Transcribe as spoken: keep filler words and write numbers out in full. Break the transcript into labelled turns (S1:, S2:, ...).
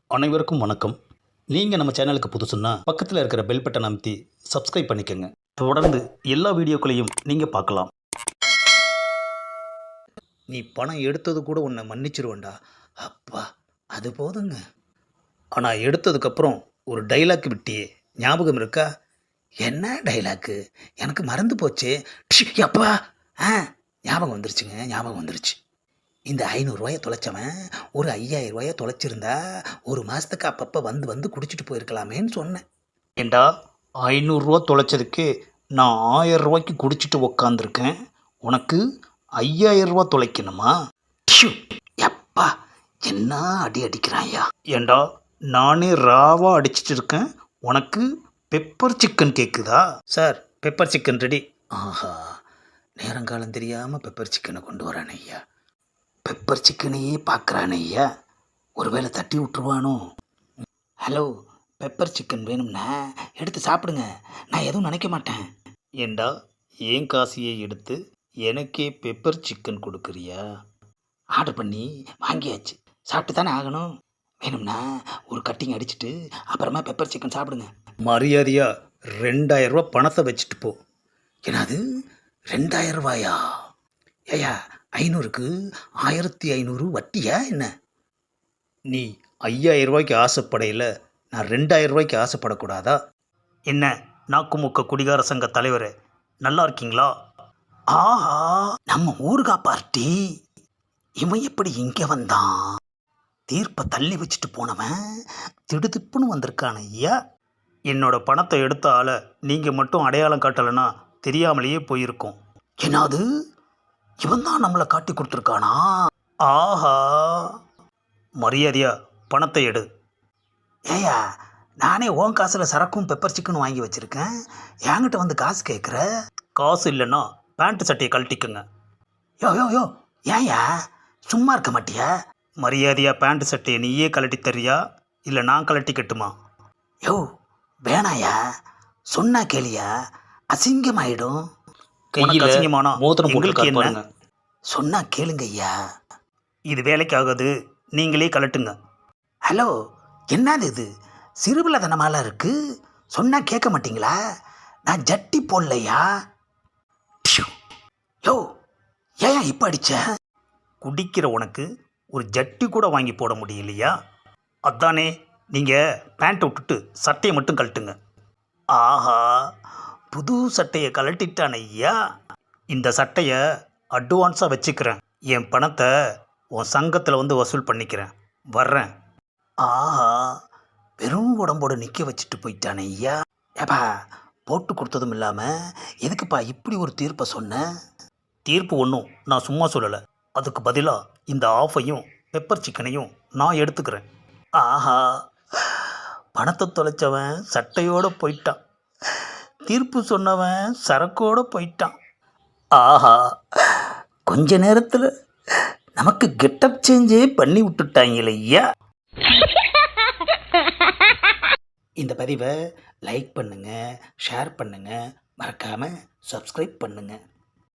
S1: அனைவருக்கும் வணக்கம். நீங்கள் நம்ம சேனலுக்கு புதுசுன்னா பக்கத்தில் இருக்கிற பெல் பட்டன் அமைத்தி சப்ஸ்கிரைப் பண்ணிக்கோங்க. தொடர்ந்து எல்லா வீடியோக்களையும் நீங்கள் பார்க்கலாம். நீ பணம் எடுத்தது கூட உன்னை மன்னிச்சிருவேண்டா. அப்பா, அது போதுங்க. ஆனால் எடுத்ததுக்கப்புறம் ஒரு டைலாக் விட்டியே, ஞாபகம் இருக்கா? என்ன டைலாக்கு? எனக்கு மறந்து போச்சு. ப்ஷ், அப்பா. ஆ, ஞாபகம் வந்துருச்சுங்க, ஞாபகம் வந்துருச்சு. இந்த ஐநூறுரூவாயை தொலைச்சவன் ஒரு ஐயாயிரம் ரூபாயை தொலைச்சிருந்தா ஒரு மாதத்துக்கு அப்பப்போ வந்து வந்து குடிச்சிட்டு போயிருக்கலாமேன்னு சொன்னேன். ஏண்டா, ஐநூறுரூவா தொலைச்சதுக்கு நான் ஆயிரம் ரூபாய்க்கு குடிச்சிட்டு உக்காந்துருக்கேன். உனக்கு ஐயாயிரம் ரூபா தொலைக்கணுமா? டிஷு, எப்பா, என்ன அடி அடிக்கிறாயா? ஏண்டா, நானே ராவா அடிச்சிட்டு இருக்கேன், உனக்கு பெப்பர் சிக்கன் கேட்குதா? Sir, pepper chicken ready. ஆஹா, நேரங்காலம் தெரியாமல் பெப்பர் சிக்கனை கொண்டு வரானே ஐயா. பெப்பர் சிக்கனையே பார்க்குறானே ஐயா, ஒருவேளை தட்டி விட்டுருவானோ? ஹலோ, பெப்பர் சிக்கன் வேணும்னா எடுத்து சாப்பிடுங்க, நான் எதுவும் நினைக்க மாட்டேன். ஏண்டா, ஏன் காசியை எடுத்து எனக்கே பெப்பர் சிக்கன் கொடுக்குறியா? ஆர்டர் பண்ணி வாங்கியாச்சு, சாப்பிட்டு தானே ஆகணும். வேணும்னா ஒரு கட்டிங் அடிச்சுட்டு அப்புறமா பெப்பர் சிக்கன் சாப்பிடுங்க. மரியாதையா ரெண்டாயிரம் ரூபா பணத்தை வச்சுட்டு போ. என்னது, ரெண்டாயிரம் ரூபாயா? ஏயா, ஐநூறுக்கு ஆயிரத்தி ஐநூறு வட்டியா என்ன? நீ ஐயாயிரம் ரூபாய்க்கு ஆசைப்படையில் நான் ரெண்டாயிரம் ரூபாய்க்கு ஆசைப்படக்கூடாதா? என்ன நாக்குமுக்க குடிகார சங்க தலைவர், நல்லா இருக்கீங்களா? ஆஹா, நம்ம ஊருகா பார்ட்டி, இவன் எப்படி இங்கே வந்தான்? தீர்ப்பை தள்ளி வச்சுட்டு போனவன் திடுதிப்புன்னு வந்திருக்கான ஐயா. என்னோட பணத்தை எடுத்த ஆளை நீங்கள் மட்டும் அடையாளம் காட்டலைன்னா தெரியாமலேயே போயிருக்கோம். என்னது, இவன் தான் நம்மளை காட்டி கொடுத்துருக்கானா? ஆஹா, மரியாதையா பணத்தை எடு. ஏயா, நானே ஓன் காசில் சரக்கும் பெப்பர் சிக்கனும் வாங்கி வச்சுருக்கேன், என்கிட்ட வந்து காசு கேட்குற? காசு இல்லைன்னா பேண்ட்டு சட்டையை கழட்டிக்குங்க. யோ யோ யோ, ஏயா சும்மா இருக்க மாட்டியா? மரியாதையாக பேண்ட்டு சட்டையை நீயே கழட்டி தரியா இல்லை நான் கழட்டிக்கட்டுமா? யோ வேணாயா, சொன்னா கேளியா, அசிங்கமாயிடும். கையில் அசிங்கமானா மோதிரம் போட்டு என்ன? சொன்னா கேளுங்க ஐயா, இது வேலைக்கு ஆகாது, நீங்களே கலட்டுங்க. ஹலோ, என்னது இது, சிறுபிள்ளைத்தனமாலாம் இருக்கு, சொன்னா கேட்க மாட்டீங்களா? நான் ஜட்டி போடலையா? யோ, ஏன் இப்போ அடிச்ச? குடிக்கிற உனக்கு ஒரு ஜட்டி கூட வாங்கி போட முடியலையா? அதானே, நீங்கள் பேண்ட்டை விட்டுட்டு சட்டையை மட்டும் கழட்டுங்க. ஆஹா, புது சட்டையை கழட்டிட்டான் ஐயா. இந்த சட்டையை அட்வான்ஸாக வச்சுக்கிறேன், என் பணத்தை உன் சங்கத்தில் வந்து வசூல் பண்ணிக்கிறேன், வர்றேன். ஆஹா, வெறும் உடம்போடு நிற்க வச்சுட்டு போயிட்டானே ஐயா. ஏப்பா, போட்டு கொடுத்ததும் இல்லாமல் எதுக்குப்பா இப்படி ஒரு தீர்ப்பை சொன்னேன்? தீர்ப்பு ஒன்றும் நான் சும்மா சொல்லலை, அதுக்கு பதிலாக இந்த ஆஃபையும் பெப்பர் சிக்கனையும் நான் எடுத்துக்கிறேன். ஆஹா, பணத்தை தொலைச்சவன் சட்டையோடு போயிட்டான், தீர்ப்பு சொன்னவன் சரக்கோடு போயிட்டான். ஆஹா, கொஞ்ச நேரத்தில் நமக்கு கெட்டப் சேஞ்சே பண்ணி விட்டுட்டாங்களே ஐயா. இந்த பதிவை லைக் பண்ணுங்கள், ஷேர் பண்ணுங்கள், மறக்காமல் சப்ஸ்கிரைப் பண்ணுங்கள்.